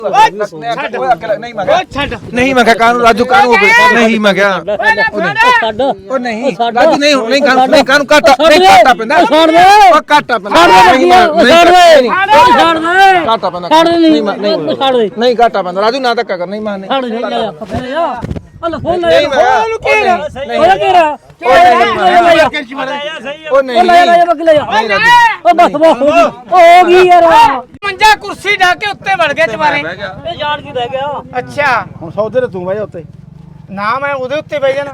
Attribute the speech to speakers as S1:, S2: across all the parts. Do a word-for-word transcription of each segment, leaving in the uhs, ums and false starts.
S1: ਨਹੀਂ ਮੈਂ ਨਹੀਂ ਮੈਂ ਕਾਨੂੰ ਰਾਜੂ ਕਾਨੂੰ ਨਹੀਂ ਮੈਂ ਕਿਹਾ ਉਹ ਨਹੀਂ ਰਾਜੂ ਨਹੀਂ ਨਹੀਂ ਕਾਨੂੰ ਨਹੀਂ ਕਾਨੂੰ ਕਾਟਾ ਨਹੀਂ ਕਾਟਾ ਪੈਂਦਾ ਛੱਡ ਦੇ ਉਹ ਕਾਟਾ ਪੈਂਦਾ ਛੱਡ ਦੇ ਛੱਡ ਦੇ ਕਾਟਾ ਪੈਂਦਾ ਛੱਡ ਦੇ ਨਹੀਂ ਨਹੀਂ ਛੱਡ ਦੇ ਨਹੀਂ ਕਾਟਾ ਪੈਂਦਾ ਰਾਜੂ ਨਾ ਧੱਕਾ ਕਰ ਨਹੀਂ ਮਾਰਨੇ ਛੱਡ ਦੇ ਜਾ ਅੱਲਾ ਫੋਨ ਲੈ ਉਹਨੂੰ ਕਿਹੜਾ ਉਹ ਕਿਹੜਾ ਉਹ ਨਹੀਂ ਲੈ ਲੈ ਬੱਗ ਲੈ ਉਹ ਬਸ ਬਸ ਹੋ ਗਈ ਯਾਰ ਮੰਜਾ ਕੁਰਸੀ ਢਾ ਕੇ ਉੱਤੇ ਵੜ ਗਿਆ ਚਵਾਰੇ ਇਹ ਜਾਣ ਕੀ ਰਹਿ ਗਿਆ ਅੱਛਾ
S2: ਹੁਣ ਸੌਦੇ ਤੇ ਤੂੰ ਬਹਿ ਜਾ ਉੱਤੇ
S1: ਨਾ ਮੈਂ ਉਹਦੇ ਉੱਤੇ ਬਹਿ ਜਾਣਾ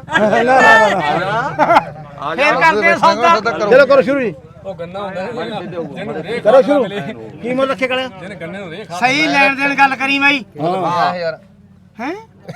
S1: ਫੇਰ ਕਰਦੇ ਸੌਦਾ
S2: ਚਲੋ ਕਰੋ ਸ਼ੁਰੂ ਜੀ
S3: ਉਹ ਗੰਨਾ ਹੁੰਦਾ
S2: ਕਰੋ ਸ਼ੁਰੂ ਕੀ ਮੁੱਲ ਰੱਖੇ ਕਲਿਆ
S3: ਜਿਹਨੇ ਗੰਨੇ ਨੂੰ ਰੇਖ
S1: ਸਹੀ ਲੈਣ ਦੇਣ ਗੱਲ ਕਰੀ ਬਾਈ
S2: ਹਾਂ
S1: ਯਾਰ ਹੈ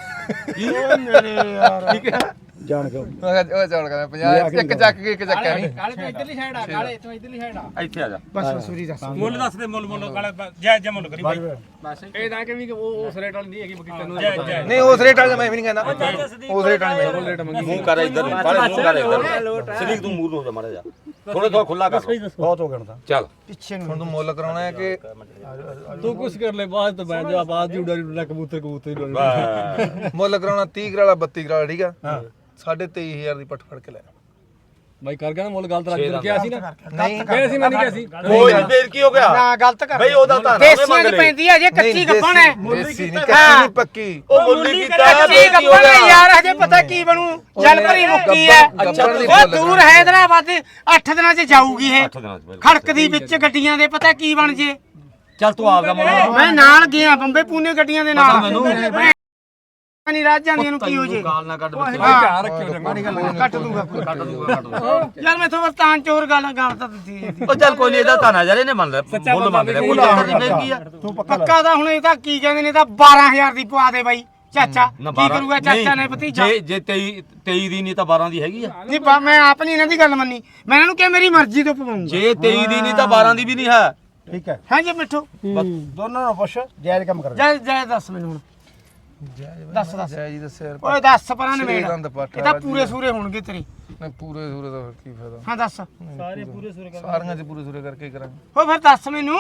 S2: ਮੇਰੇ ਯਾਰ ਠੀਕ ਹੈ ਜਾਣ ਕੇ
S4: ਮੈਂ ਕਿਹਾ ਉਹ ਚੌੜ ਕਰ ਪੰਜਾਹ ਇੱਕ ਚੱਕ ਕੇ ਇੱਕ ਚੱਕਿਆ ਨਹੀਂ
S3: ਕਾਲੇ ਤੋਂ ਇਧਰਲੀ ਸਾਈਡ ਆ ਕਾਲੇ ਤੋਂ ਇਧਰਲੀ ਸਾਈਡ ਆ
S4: ਇੱਥੇ ਆ ਜਾ
S1: ਬਸ ਮਸੂਰੀ ਦੱਸ
S3: ਮੁੱਲ ਦੱਸ ਦੇ ਮੁੱਲ ਮੁੱਲ ਕਾਲੇ ਜੈ ਜੈ ਮੁੱਲ ਕਰੀ ਬਾਈ ਬਸ ਇਹ ਤਾਂ ਕਿ ਵੀ ਉਹ ਉਸ ਰੇਟ ਵਾਲੀ ਨਹੀਂ ਹੈਗੀ ਬਾਕੀ ਤੈਨੂੰ ਜੈ ਜੈ
S1: ਨਹੀਂ ਉਸ ਰੇਟ ਵਾਲੇ ਮੈਂ ਵੀ ਨਹੀਂ ਕਹਿੰਦਾ ਉਸ ਰੇਟ ਵਾਲੇ ਮੈਂ
S3: ਰੇਟ ਮੰਗੀ
S4: ਮੂੰਹ ਕਰ ਇੱਧਰ ਬਾਲੇ ਮੂੰਹ ਕਰ ਇੱਧਰ ਸਰੀਕ ਤੂੰ ਮੂੰਹ ਨੂੰ ਹੋ ਜਾ ਮਾੜਾ ਜਾ ਥੋੜਾ ਥੋੜਾ ਖੁੱਲਾ ਕਰ
S2: ਬਹੁਤ ਹੋ ਗਿਆ ਤਾਂ
S4: ਚੱਲ
S1: ਪਿੱਛੇ ਨੂੰ ਹੁਣ ਤੂੰ ਮੁੱਲ ਕਰਾਉਣਾ ਹੈ ਕਿ
S3: ਤੂੰ ਕੁਛ ਕਰ ਲੈ ਬਾਅਦ ਤੋਂ ਬੈਠ ਜਾ ਬਾਅਦ ਦੀ ਉਡਾਰੀ ਉਡਾ ਕਬੂਤਰ ਕਬੂਤਰ
S1: ਮੁੱਲ ਕਰਾਉਣਾ ਤੀਹ ਕਰਾਲਾ ਬੱਤੀ ਕਰਾਲਾ ਠੀਕ ਆ ਹਾਂ ਸਾਢੇ ਤੇਈ ਹਜ਼ਾਰ ਦੀ ਪੱਟ ਫੜ ਕੇ ਲੈ
S3: ਬਾਈ ਕਰ ਗਿਆ ਨਾ ਮੁੱਲ ਗਲਤ ਰੱਖ ਕਿਹਾ ਸੀ ਨਾ
S1: ਨਹੀਂ
S3: ਕਿਹਾ ਸੀ ਮੈਂ ਨਹੀਂ ਕਿਹਾ ਸੀ
S4: ਕੋਈ ਨਹੀਂ ਫੇਰ ਕੀ ਹੋ ਗਿਆ
S1: ਨਾ ਗਲਤ ਕਰ
S4: ਬਈ ਉਹਦਾ ਤਾਂ
S1: ਦੇਸੀਆਂ ਚ ਪੈਂਦੀ ਹੈ ਜੇ ਕੱਚੀ ਗੱਪਣ ਹੈ
S4: ਦੇਸੀ ਨਹੀਂ ਕੱਚੀ ਨਹੀਂ ਪੱਕੀ ਉਹ ਮੁੱਲੀ ਕੀਤਾ
S1: ਕੱਚੀ ਗੱਪਣ ਹੈ ਯਾਰ ਹਜੇ ਪਤਾ ਕੀ ਬਣੂ ਜਲ ਭਰੀ ਮੁੱਕੀ ਹੈ ਉਹ ਦੂਰ ਹੈਦਰਾਬਾਦ ਅੱਠ ਦਿਨਾਂ ਚ ਜਾਊਗੀ ਇਹ ਖੜਕਦੀ ਵਿੱਚ ਗੱਡੀਆਂ ਦੇ ਪਤਾ ਕੀ ਬਣ ਜੇ
S4: ਚੱਲ ਤੂੰ ਆਪਦਾ ਮੁੱਲ
S1: ਮੈਂ ਨਾਲ ਗਿਆ ਬੰਬੇ ਪੂਨੇ ਗੱਡੀਆਂ ਦੇ ਨਾਲ ਨਹੀਂ ਰਾਜ ਜਾਂਦੀਆਂ ਨੂੰ ਕੀ ਹੋ ਜੇ
S4: ਗਾਲ ਨਾ ਕੱਢ ਵਿੱਚ
S3: ਧਿਆਨ ਰੱਖਿਓ ਮਾੜੀ ਗੱਲ
S1: ਕੱਟ ਦੂੰਗਾ
S4: ਕੱਢ ਦੂਗਾ ਕੱਢ ਦੂਗਾ
S1: ਯਾਰ ਮੈਂ ਤੋਂ ਤਾਂ ਚੋਰ ਗੱਲ ਗੱਲ ਤਾਂ ਦਿੱਤੀ
S4: ਉਹ ਚੱਲ ਕੋਈ ਨਹੀਂ ਇਹਦਾ ਤਾਂ ਨਾ ਯਾਰ ਇਹਨੇ ਮੰਨ ਲਿਆ ਮੁੱਲ ਮੰਗ ਲਿਆ ਕੋਈ ਚੱਕਰ ਨਹੀਂ ਫੇਰ ਕੀ ਆ
S1: ਪੱਕਾ ਤਾਂ ਹੁਣ ਇਹ ਤਾਂ ਕੀ ਕਹਿੰਦੇ ਨੇ ਤਾਂ ਬਾਰਾਂ ਹਜ਼ਾਰ ਦੀ ਪਵਾ ਦੇ ਬਾਈ ਚਾਚਾ ਕੀ ਕਰੂਗਾ ਚਾਚਾ ਨੇ ਭਤੀਜਾ
S4: ਜੇ ਜੇ ਤੇਈ ਤੇਈ ਦੀ ਨਹੀਂ ਤਾਂ ਬਾਰਾਂ ਦੀ ਹੈਗੀ ਆ
S1: ਨਹੀਂ ਮੈਂ ਆਪ ਨਹੀਂ ਇਹਨਾਂ ਦੀ ਗੱਲ ਮੰਨੀ ਮੈਂ ਇਹਨਾਂ ਨੂੰ ਕਿਹਾ ਮੇਰੀ ਮਰਜ਼ੀ ਤੋਂ ਪਵਾਉਂਗਾ
S4: ਜੇ ਤੇਈ ਦੀ ਨਹੀਂ ਤਾਂ ਬਾਰਾਂ ਦੀ ਵੀ ਨਹੀਂ ਹੈ
S2: ਠੀਕ ਹੈ
S1: ਹਾਂ ਜੀ ਮਿੱਠੂ
S2: ਦੋਨਾਂ ਨੂੰ ਪੁੱਛ ਜਾਇਜ਼ ਕੰਮ ਕਰ
S1: ਜੈ ਜੈ ਦੱਸ ਮੈਨੂੰ ਹੁਣ ਦੱਸ ਦੱਸ
S4: ਜੈ ਜੀ ਦੱਸਿਆ
S1: ਓਏ ਦੱਸ ਪਰਾਂ ਨੇ ਮੇੜ
S4: ਦੰਦ ਪੱਟ
S1: ਇਹ ਤਾਂ ਪੂਰੇ ਸੂਰੇ ਹੋਣਗੇ ਤੇਰੀ
S4: ਨਹੀਂ ਪੂਰੇ ਸੂਰੇ ਦਾ ਕੀ ਫਾਇਦਾ
S1: ਹਾਂ ਦੱਸ
S3: ਸਾਰੇ ਪੂਰੇ ਸੁਰ ਕਰ
S4: ਸਾਰੀਆਂ ਚ ਪੂਰੇ ਸੂਰੇ ਕਰਕੇ ਹੀ ਕਰਾਂਗੇ
S1: ਓ ਫਿਰ ਦੱਸ ਮੈਨੂੰ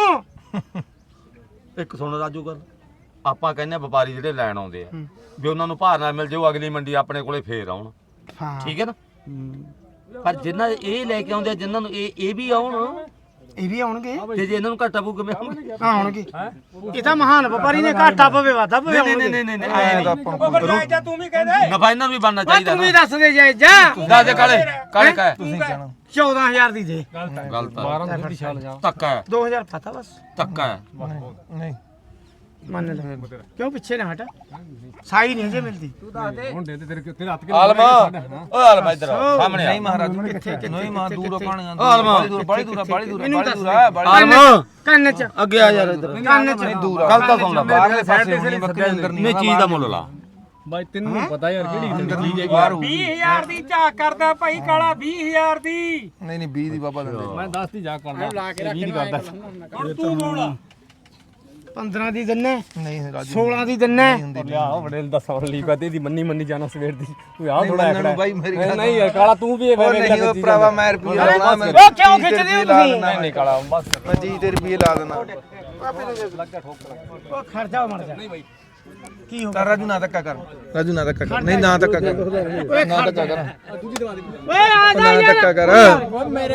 S4: ਇੱਕ ਸੁਣ ਰਾਜੂ ਗੱਲ ਆਪਾਂ ਕਹਿੰਦੇ ਆ ਵਪਾਰੀ ਜਿਹੜੇ ਲੈਣ ਆਉਂਦੇ ਆ ਵੀ ਉਹਨਾਂ ਨੂੰ ਭਾਰ ਨਾਲ ਮਿਲ ਜਾਓ ਅਗਲੀ ਮੰਡੀ ਆਪਣੇ ਕੋਲੇ ਫੇਰ ਆਉਣ
S1: ਹਾਂ
S4: ਠੀਕ ਹੈ ਨਾ ਪਰ ਜਿੰਨਾ ਇਹ ਲੈ ਕੇ ਆਉਂਦੇ ਆ ਜਿਨ੍ਹਾਂ ਨੂੰ ਇਹ ਇਹ ਵੀ ਆਉਣ
S1: ਇਹ ਵੀ ਆਉਣਗੇ
S4: ਤੇ ਜੇ ਇਹਨਾਂ ਨੂੰ ਘਾਟਾ ਪਊ ਕਿਵੇਂ ਆਉਣਗੇ
S1: ਆਉਣਗੇ ਇਹ ਤਾਂ ਮਹਾਨ ਵਪਾਰੀ ਨੇ ਘਾਟਾ ਪਵੇ ਵਾਧਾ ਪਵੇ
S4: ਨਹੀਂ ਨਹੀਂ ਨਹੀਂ ਨਹੀਂ ਆਏ ਨਹੀਂ
S3: ਤੂੰ ਵੀ ਕਹਿ ਦੇ
S4: ਨਫਾ ਇਹਨਾਂ ਨੂੰ ਵੀ ਬਣਨਾ ਚਾਹੀਦਾ
S1: ਤੂੰ ਵੀ ਦੱਸ ਦੇ ਜਾਇ ਜਾ
S4: ਦੱਸ ਦੇ ਕਾਲੇ ਕਾਲੇ ਕਾ
S1: ਤੁਸੀਂ ਕਹਿਣਾ ਚੌਦਾਂ ਹਜ਼ਾਰ ਦੀ ਦੇ
S4: ਗਲਤ
S3: ਬਾਰਾਂ ਦੀ ਛਾਲ ਜਾ
S4: ਧੱਕਾ ਹੈ
S1: ਦੋ ਹਜ਼ਾਰ ਪਤਾ ਬਸ
S4: ਧੱਕਾ ਹੈ
S1: ਨਹੀਂ ਮੰਨ ਲੈ ਕਿਉਂ ਪਿੱਛੇ ਨਾ ਹਟ ਸਾਈ ਨਹੀਂ ਜੇ ਮਿਲਦੀ
S3: ਹੁਣ ਦੇ ਤੇਰੇ ਤੇਰੇ ਹੱਥ ਕੇ
S4: ਆਲਮਾ ਓਏ ਆਲਮਾ ਇੱਧਰ ਸਾਹਮਣੇ
S1: ਨਹੀਂ ਮਹਾਰਾਜ ਕਿੱਥੇ ਨਹੀਂ ਮਾਂ ਦੂਰ ਪਾਣੀਆਂ
S4: ਆਲਮਾ
S1: ਬੜੀ ਦੂਰ ਬੜੀ ਦੂਰ ਬੜੀ ਦੂਰ ਹੈ
S4: ਆਲਮਾ
S1: ਕੰਨ ਚ
S4: ਅੱਗੇ ਆ ਯਾਰ ਇੱਧਰ
S1: ਕੰਨ ਚ
S4: ਦੂਰ ਗੱਲ ਤਾਂ ਸੁਣ ਲੈ ਬਾਹਰਲੇ ਪਾਸੇ ਨਹੀਂ ਬੱਕਰੇ ਅੰਦਰ ਨਹੀਂ ਚੀਜ਼ ਦਾ ਮੁੱਲ ਲਾ
S3: ਬਾਈ ਤੈਨੂੰ ਪਤਾ ਯਾਰ ਕਿਹੜੀ ਅੰਦਰਲੀ ਜੇ
S1: ਵੀਹ ਹਜ਼ਾਰ ਦੀ ਝਾਕ ਕਰਦਾ ਭਾਈ ਕਾਲਾ ਵੀਹ ਹਜ਼ਾਰ ਦੀ
S4: ਨਹੀਂ ਨਹੀਂ ਵੀਹ ਦੀ ਬਾਬਾ ਦਿੰਦੇ
S3: ਮੈਂ ਦਸ ਦੀ ਜਾ ਕਰਦਾ ਵੀਹ ਦੀ ਕਰਦਾ ਹੁਣ ਤੂੰ ਬੋਲ
S1: ਪੰਦਰਾਂ ਦੀ ਦਿੰਨੇ
S4: ਨਹੀਂ ਰਾਜੂ
S1: ਸੋਲਾਂ ਦੀ ਦਿੰਨੇ
S3: ਲਿਆ ਬੜੇ ਦਸ ਵਾਰ ਲਈ ਕਹਤੇ ਦੀ ਮੰਨੀ ਮੰਨੀ ਜਾਣਾ ਸਵੇਰ ਦੀ ਤੂੰ ਆ ਥੋੜਾ ਐਕੜਾ
S4: ਬਾਈ ਮੇਰੀ ਗੱਲ
S3: ਨਹੀਂ ਯਾਰ ਕਾਲਾ ਤੂੰ ਵੀ
S4: ਉਹ ਨਹੀਂ ਉਹ ਭਰਾਵਾ ਮੈਂ ਰੁਪਏ ਲਾਉਣਾ ਮੈਂ
S1: ਉਹ ਕਿਉਂ ਖਿੱਚਦੇ ਹੋ ਤੁਸੀਂ
S3: ਨਹੀਂ ਨਹੀਂ ਕਾਲਾ ਬਸ
S4: ਮੈਂ ਜੀ ਤੇ ਰੁਪਏ ਲਾ ਦੇਣਾ
S1: ਉਹ ਖਰਚਾ ਮਰ ਜਾ ਨਹੀਂ ਬਾਈ ਕੀ ਹੋ
S4: ਕਰ ਰਾਜੂ ਨਾ ਧੱਕਾ ਕਰ ਰਾਜੂ ਨਾ ਧੱਕਾ ਕਰ ਨਹੀਂ ਨਾ ਧੱਕਾ ਕਰ
S1: ਓਏ
S4: ਨਾ ਧੱਕਾ ਕਰ
S1: ਓਏ ਆ ਜਾ
S4: ਨਾ
S1: ਯਾਰ
S4: ਧੱਕਾ ਕਰ
S1: ਮੇਰੇ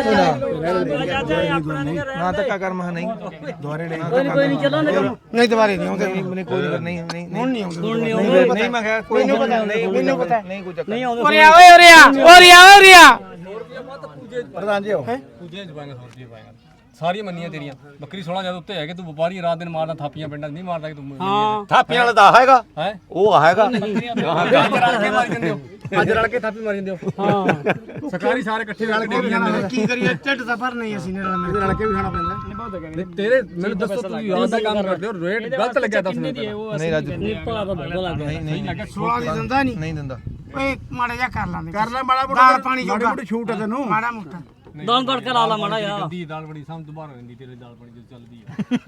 S4: ਨਾ ਧੱਕਾ ਕਰ ਮਾ ਨਹੀਂ ਦੁਆਰੇ ਲੈ
S1: ਕੋਈ ਨਹੀਂ ਚੱਲਾਂਗੇ ਨਹੀਂ ਦੁਬਾਰੇ ਨਹੀਂ ਆਉਂਦੇ
S4: ਨਹੀਂ ਕੋਈ ਨਹੀਂ ਨਹੀਂ
S1: ਹੁਣ ਨਹੀਂ ਆਉਂਦੇ ਹੁਣ ਨਹੀਂ
S4: ਆਉਂਦੇ ਨਹੀਂ ਮੈਂ ਕਿਹਾ ਕੋਈ
S1: ਮੈਨੂੰ ਪਤਾ ਨਹੀਂ ਮੈਨੂੰ ਪਤਾ
S4: ਨਹੀਂ ਕੋਈ ਚੱਕਰ
S1: ਨਹੀਂ ਆਉਂਦੇ ਓਰੇ ਆ ਓਏ ਓਰੇ ਆ ਓਰੇ ਆ ਓਰੇ ਆ
S2: ਪ੍ਰਧਾਨ ਜੀ ਹੋ
S3: ਪੂਜੇ ਚ ਪਾਏਗਾ ਸੌ ਰੁਪਏ ਪਾਏਗਾ ਸਾਰੀਆਂ ਮੰਨੀਆਂ ਤੇਰੀਆਂ ਬੱਕਰੀ ਸੋਲਾਂ ਜਦ ਉੱਤੇ ਹੈਗੇ ਤੂੰ ਵਪਾਰੀ ਰਾਤ ਦਿਨ ਮਾਰਦਾ ਥਾਪੀਆਂ ਪਿੰਡਾਂ ਨਹੀਂ ਮਾਰਦਾ ਕਿ ਤੂੰ ਹਾਂ
S4: ਥਾਪੀਆਂ ਵਾਲਾ ਦਾ ਹੈਗਾ
S3: ਹੈ
S4: ਉਹ ਹੈਗਾ
S3: ਅੱਜ ਰਲ ਕੇ ਮਾਰੀ ਜਾਂਦੇ ਹੋ ਅੱਜ ਰਲ ਕੇ ਥਾਪੀ ਮਾਰੀ ਜਾਂਦੇ ਹੋ ਹਾਂ ਸਰਕਾਰੀ ਸਾਰੇ ਇਕੱਠੇ ਰਲ ਕੇ ਜਾਂਦੇ
S1: ਕੀ ਕਰੀਏ ਢਿੱਡ ਤਾਂ ਭਰ ਨਹੀਂ ਅਸੀਂ ਨੇ ਰਲ
S2: ਰਲ ਕੇ ਵੀ ਖਾਣਾ ਪੈਂਦਾ
S3: ਤੇਰੇ ਮੈਨੂੰ ਦੱਸੋ ਤੂੰ ਯਾਦ ਦਾ ਕੰਮ ਕਰਦੇ ਹੋ ਰੇਟ ਗਲਤ ਲੱਗਿਆ ਦੱਸ ਮੈਨੂੰ
S4: ਨਹੀਂ ਰਾਜੂ
S1: ਭਲਾ ਤਾਂ ਬਦਲ ਲੱਗ
S4: ਨਹੀਂ ਨਹੀਂ
S1: ਸੋਲਾਂ ਦੀ ਦਿੰਦਾ ਨਹੀਂ
S4: ਨਹੀਂ ਦਿੰਦਾ
S1: ਓਏ ਮਾੜਾ ਜਿਹਾ ਕਰ ਲਾਂਦੇ
S2: ਕਰ ਲੈ ਮਾੜਾ
S1: ਦਾਲ ਪਾਣੀ
S2: ਮਾੜੀ
S1: ਜੋਗਾ
S2: ਮੋਟੀ ਛੂਟ ਹੈ ਤੈਨੂੰ
S1: ਮਾੜਾ ਮੋਟਾ
S5: ਦਾਲ ਤੜਕਾ ਲਾ ਲਾ ਮਾੜਾ ਯਾਰ
S3: ਗੰਦੀ ਦਾਲ ਬੜੀ ਸਮਝ ਤੋਂ ਬਾਹਰ ਹੋ ਜਾਂਦੀ ਤੇਰੇ ਦਾਲ ਬਣੀ ਜਦੋਂ ਚੱਲਦੀ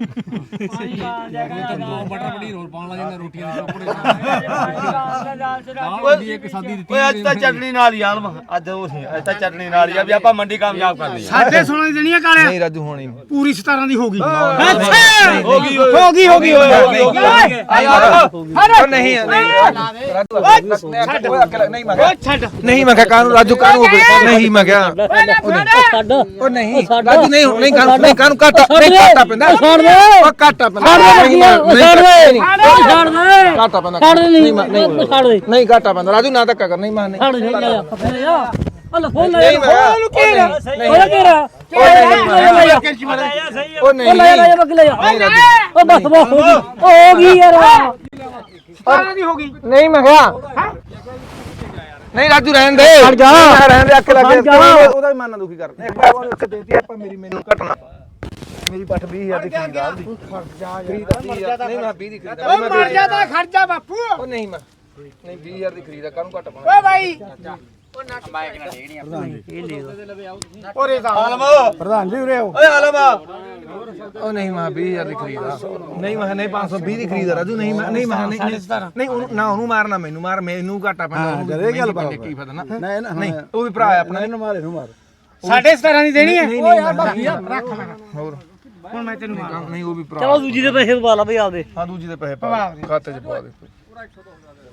S3: ਆ ਦੋ ਬਟਰ ਬੜੀ ਰੋਲ ਪਾਉਣ ਲੱਗ ਜਾਂਦਾ ਰੋਟੀਆਂ ਦੇ ਚੋਪੜੇ ਦਾਲ ਹੁੰਦੀ ਇੱਕ ਸਾਦੀ ਦਿੱਤੀ
S4: ਓਏ ਅੱਜ ਤਾਂ ਚਟਣੀ ਨਾਲ ਹੀ ਆਲਮ ਅੱਜ ਉਹ ਸੀ ਅੱਜ ਤਾਂ ਚਟਣੀ ਨਾਲ ਹੀ ਆ ਵੀ ਆਪਾਂ ਮੰਡੀ ਕਾਮਯਾਬ ਕਰਨੀ ਆ
S2: ਸਾਡੇ ਸੋਲਾਂ ਦੀ ਦੇਣੀ ਆ ਕਾਲਿਆ
S1: ਨਹੀਂ ਰਾਜੂ ਹੋਣੀ ਨਹੀਂ
S2: ਪੂਰੀ ਸਤਾਰਾਂ ਦੀ ਹੋ ਗਈ
S4: ਹੋ ਗਈ
S2: ਹੋ ਗਈ ਹੋ ਗਈ
S1: ਉਹ ਨਹੀਂ ਰਾਜੂ ਨਹੀਂ ਮੈਂ
S2: ਛੱਡ
S1: ਨਹੀਂ ਮੈਂ ਕਾਨੂੰ ਰਾਜੂ ਕਾਨੂੰ ਨਹੀਂ ਮੈਂ ਕਿਹਾ
S5: ਛੱਡ
S1: ਉਹ ਨਹੀਂ ਰਾਜੂ ਨਹੀਂ ਨਹੀਂ ਕਾਨੂੰ ਨਹੀਂ ਕਾਨੂੰ ਕਾਟਾ ਨਹੀਂ ਕਾਟਾ ਪੈਂਦਾ
S5: ਛੱਡ ਦੇ
S1: ਉਹ ਕਾਟਾ ਪੈਂਦਾ
S5: ਛੱਡ ਦੇ ਛੱਡ ਦੇ ਛੱਡ ਦੇ
S1: ਕਾਟਾ ਪੈਂਦਾ
S5: ਛੱਡ ਦੇ
S1: ਨਹੀਂ
S5: ਨਹੀਂ ਛੱਡ ਦੇ
S1: ਨਹੀਂ ਕਾਟਾ ਪੈਂਦਾ ਰਾਜੂ ਨਾ ਧੱਕਾ ਕਰ ਨਹੀਂ ਮੈਂ ਨਹੀਂ
S5: ਛੱਡ ਦੇ ਯਾਰ ਕੱਪੜੇ ਯਾਰ ਅੱਲਾ ਫੋਨ ਲੈ
S1: ਨਹੀਂ ਮੈਂ
S5: ਉਹਨੂੰ ਕਿਹੜਾ ਉਹ ਕਿਹੜਾ
S1: ਉਹ ਨਹੀਂ
S5: ਉਹ ਲੈ ਲੈ ਬੱਗ ਲੈ ਉਹ ਬਸ ਬਸ ਹੋ ਗਈ ਹੋ ਗਈ ਯਾਰ
S2: ਸਤਾਰਾਂ ਦੀ ਹੋ ਗਈ
S1: ਨਹੀਂ ਮੈਂ ਕਿਹਾ ਨਹੀਂ ਰਾਜੂ ਰਹਿਣ ਦੇ
S5: ਹਟ ਜਾ।
S1: ਰਹਿਣ ਦੇ ਅੱਖ ਲੱਗੇ
S5: ਹਟ ਜਾ।
S1: ਉਹਦਾ ਵੀ ਮਨ ਦੁਖੀ ਕਰ ਇੱਕ ਵਾਰ ਉਹਨੂੰ ਇੱਕ ਦੇਤੀ ਆਪਾਂ ਮੇਰੀ ਮੈਨੂੰ ਘਟਣਾ ਮੇਰੀ ਪੱਠ ਵੀਹ ਹਜ਼ਾਰ ਦੀ ਖਰੀਦ ਆ ਉਹਦੀ ਖਰੀਦ ਆ ਵੀਹ ਹਜ਼ਾਰ ਨਹੀਂ ਮੈਂ ਵੀਹ ਦੀ ਖਰੀਦ
S2: ਓ ਮਰ ਜਾ ਤਾਂ ਖਰਚਾ ਬਾਪੂ
S1: ਉਹ ਨਹੀਂ ਮੈਂ ਨਹੀਂ ਵੀਹ ਹਜ਼ਾਰ ਦੀ ਖਰੀਦ ਆ ਕਾਹਨੂੰ ਘਟ ਪਾਉਣਾ
S2: ਓ ਭਾਈ ਓਰੇ ਦਾ
S4: ਆਲਮ
S2: ਪ੍ਰਧਾਨ ਜੀ ਉਰੇ ਆਓ
S4: ਓਏ ਆਲਮ
S1: ਉਹ ਨਹੀਂ ਮੈਂ ਵੀਹ ਹਜ਼ਾਰ ਦੀ ਖਰੀਦ ਆ ਨਹੀਂ ਮੈਂ ਨਹੀਂ ਪੰਜ ਸੌ ਵੀਹ ਦੀ ਖਰੀਦ ਆ ਰਾਜੂ ਨਹੀਂ ਮੈਂ ਨਹੀਂ ਮੈਂ ਨਹੀਂ ਨਹੀਂ ਉਹਨੂੰ ਨਾ ਉਹਨੂੰ ਮਾਰਨਾ ਮੈਨੂੰ ਮਾਰ ਮੈਨੂੰ ਘਾਟਾ ਪੈਂਦਾ
S2: ਇਹ ਗੱਲ ਬਣ
S1: ਕੀ ਫਾਇਦਾ ਨਾ
S2: ਨਹੀਂ
S1: ਨਹੀਂ ਉਹ ਵੀ ਭਰਾ ਹੈ ਆਪਣਾ
S2: ਇਹਨੂੰ ਮਾਰ ਇਹਨੂੰ ਮਾਰ ਸਾਡੇ ਸਤਾਰਾਂ ਦੀ ਦੇਣੀ ਹੈ
S1: ਓ ਯਾਰ ਬਾਕੀ
S2: ਰੱਖ ਲੈ
S1: ਹੋਰ
S2: ਹੁਣ ਮੈਂ ਤੈਨੂੰ ਮਾਰ
S1: ਨਹੀਂ ਉਹ ਵੀ ਭਰਾ
S5: ਚਲੋ ਦੂਜੀ ਦੇ ਪੈਸੇ ਪਾ ਲਾ ਬਈ ਆਪਦੇ
S1: ਹਾਂ ਦੂਜੀ ਦੇ ਪੈਸੇ ਪਾ ਖਾਤੇ 'ਚ ਪਾ ਦੇ